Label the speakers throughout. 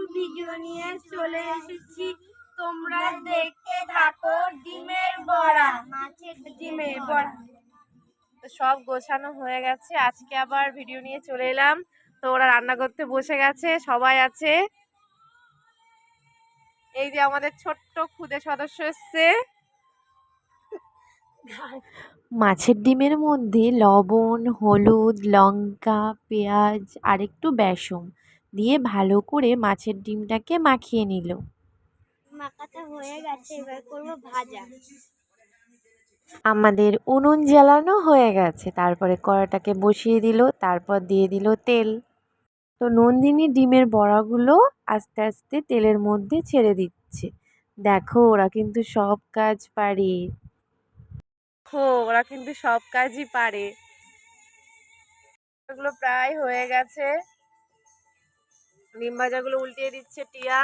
Speaker 1: Video নিয়ে চলে এসেছি। তোমরা দেখতে থাকো ডিমের বড়া। মাছের ডিমের বড়া তো সব গোছানো হয়ে গেছে। আজকে আবার ভিডিও নিয়ে চলে এলাম। তো ওরা রান্না করতে বসে গেছে, সবাই আছে। এই যে আমাদের ছোট্ট খুদে সদস্য এসছে।
Speaker 2: মাছের ডিমের মধ্যে লবণ, হলুদ, লঙ্কা, পেঁয়াজ আর একটু বেসন দিয়ে ভালো করে মাছের ডিমটাকে মাখিয়ে নিল।
Speaker 1: মাখাটা হয়ে গেছে, এবার করবো ভাজা।
Speaker 2: আমাদের উনুন জ্বালানো হয়ে গেছে, তারপরে কড়াটাকে বসিয়ে দিল, তারপর দিয়ে দিল তেল। তো নন্দিনী ডিমের বড়াগুলো আস্তে আস্তে তেলের মধ্যে ছেড়ে দিচ্ছে। দেখো ওরা কিন্তু সব কাজ পারে।
Speaker 1: ওরা কিন্তু সব কাজই পারে। এগুলো প্রায় হয়ে গেছে। ডিম ভাজাগুলো উল্টিয়ে দিচ্ছে টিয়া।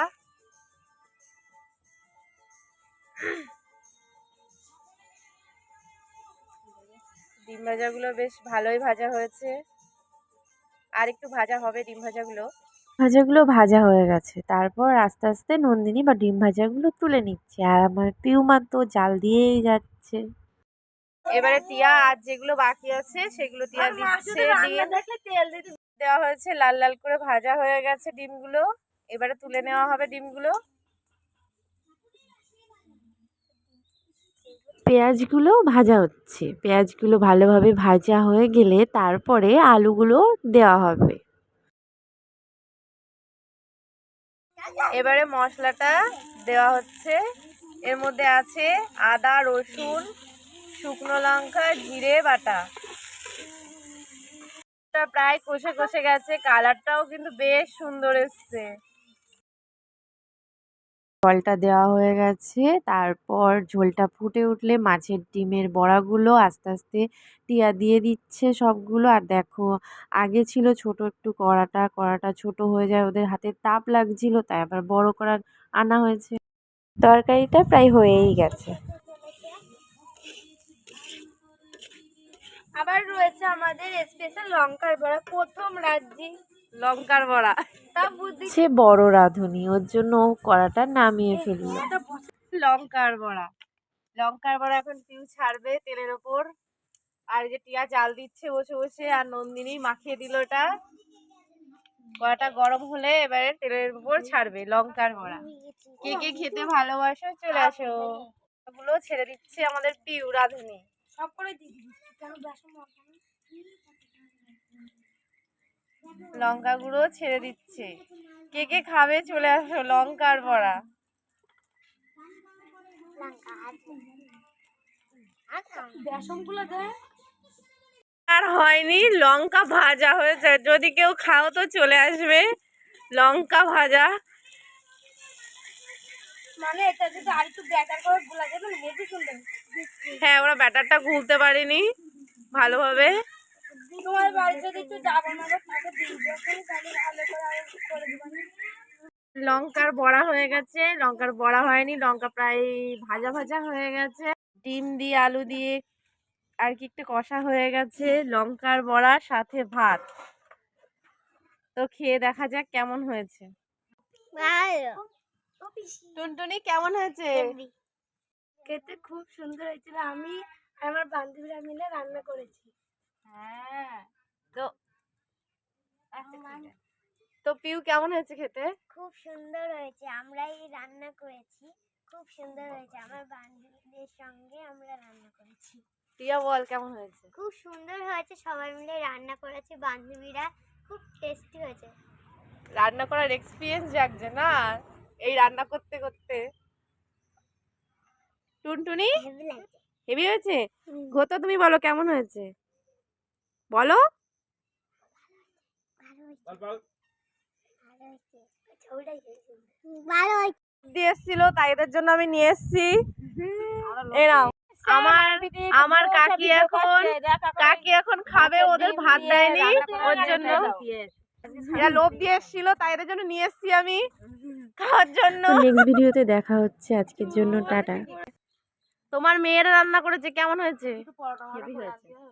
Speaker 1: ডিম ভাজাগুলো বেশ ভালোই ভাজা হয়েছে, আর একটু ভাজা হবে ডিম ভাজাগুলো।
Speaker 2: ভাজাগুলো ভাজা হয়ে গেছে, তারপর আস্তে আস্তে নন্দিনী বা ডিম ভাজাগুলো তুলে নিচ্ছে, আর আমার পিউমা তো জাল দিয়েই যাচ্ছে।
Speaker 1: এবারে টিয়া আর যেগুলো বাকি আছে সেগুলো টিয়া দিচ্ছে। তেল দেওয়া হয়েছে, লাল লাল করে ভাজা হয়ে গেছে ডিমগুলো। এবারে তুলে নেওয়া হবে ডিমগুলো।
Speaker 2: পেঁয়াজগুলো ভাজা হচ্ছে, পেঁয়াজগুলো ভালোভাবে ভাজা হয়ে গেলে তারপরে আলুগুলো দেওয়া হবে।
Speaker 1: এবারে মশলাটা দেওয়া হচ্ছে। এর মধ্যে আছে আদা, রসুন, শুকনো লঙ্কা, জিরে বাটা। প্রায় কষে কষে গেছে, কালারটাও কিন্তু বেশ সুন্দর এসছে।
Speaker 2: জলটা দেওয়া হয়ে গেছে, তারপর ঝোলটা ফুটে উঠলে মাছের ডিমের বড়াগুলো আস্তে আস্তে টিয়া দিয়ে দিচ্ছে সবগুলো। আর দেখো আগে ছিল ছোট একটু কড়াটা ছোট হয়ে যায়, ওদের হাতে তাপ লাগছিল, তাই আবার বড় কড়া আনা হয়েছে। তরকারিটা প্রায় হয়েই গেছে।
Speaker 1: আবার রয়েছে আমাদের স্পেশাল লঙ্কার বড়া, প্রথম রাজ্যে লঙ্কার বড়া। তা বুদ্ধি
Speaker 2: সে বড় রাঁধুনি, ওর জন্য কড়াটা নামিয়ে ফেলল।
Speaker 1: লঙ্কার বড়া, লঙ্কার বড়া এখন পিউ ছাড়বে তেলের ওপর। আর যে টিয়া জাল দিচ্ছে বসে বসে, আর নন্দিনী মাখিয়ে দিল ওটা। কড়াটা গরম হলে এবারে তেলের উপর ছাড়বে লঙ্কার বড়া। কে কে খেতে ভালোবাসো চলে আসো। গুলো ছেড়ে দিচ্ছে আমাদের পিউ রাঁধুনি। সব করে লঙ্কা গুঁড়ো ছেড়ে দিচ্ছে। কে কে খাবে চলে আসো লঙ্কার বড়া। আর হয়নি, লঙ্কা ভাজা হয়েছে। যদি কেউ খাও তো চলে আসবে। লঙ্কা ভাজা মানে এটা যদি আর একটু ব্যাটার করে গোলা যাবে না, হেভি সুন্দর। হ্যাঁ, ওরা ব্যাটারটা গুলতে পারেনি ভালোভাবে। তোমার বাড়ি যদি একটু যাবো না তাকে দিই, তাহলে ভালো করে দিবেন। লঙ্কার বড়া হয়ে গেছে, লঙ্কার বড়া হয়নি, লঙ্কা প্রায় ভাজা ভাজা হয়ে গেছে। ডিম দিয়ে আলু দিয়ে আর কি একটু কষা হয়ে গেছে। লঙ্কার বড়ার সাথে ভাত। তো খেয়ে দেখা যাক কেমন হয়েছে। টুনটুনি কেমন হয়েছে? খেতে খুব সুন্দর হয়েছিল। আমি আমার বান্ধবীরা মিলে রান্না করেছি। হ্যাঁ, তো তো পিউ কেমন হয়েছে খেতে?
Speaker 3: খুব সুন্দর হয়েছে, আমরাই রান্না করেছি। খুব সুন্দর হয়েছে, আমার বান্ধবীদের সঙ্গে আমরা রান্না করেছি।
Speaker 1: টিয়া বল কেমন হয়েছে?
Speaker 3: খুব সুন্দর হয়েছে, সবাই মিলে রান্না করেছে বান্ধবীরা। খুব টেস্টি হয়েছে।
Speaker 1: রান্না করার এক্সপিরিয়েন্স জাগছে না এই রান্না করতে করতে। টুনটুনি হেভি হয়েছে। ঘোতো তুমি বলো কেমন হয়েছে, বলো। দিয়ে এসেছিল, তাই এদের জন্য আমি নিয়ে এসেছি। এই নাও। আমার আমার কাকি এখন খাবে, ওদের ভাত দেয়নি, ওর জন্য এরা লোভ দিয়ে এসেছিল, তাই এদের জন্য নিয়ে এসেছি আমি খাওয়ার জন্য।
Speaker 2: নেক্সট ভিডিওতে দেখা হচ্ছে, আজকের জন্য টাটা।
Speaker 1: তোমার মেয়েরা রান্না করেছে, কেমন হয়েছে? হেভি হয়েছে।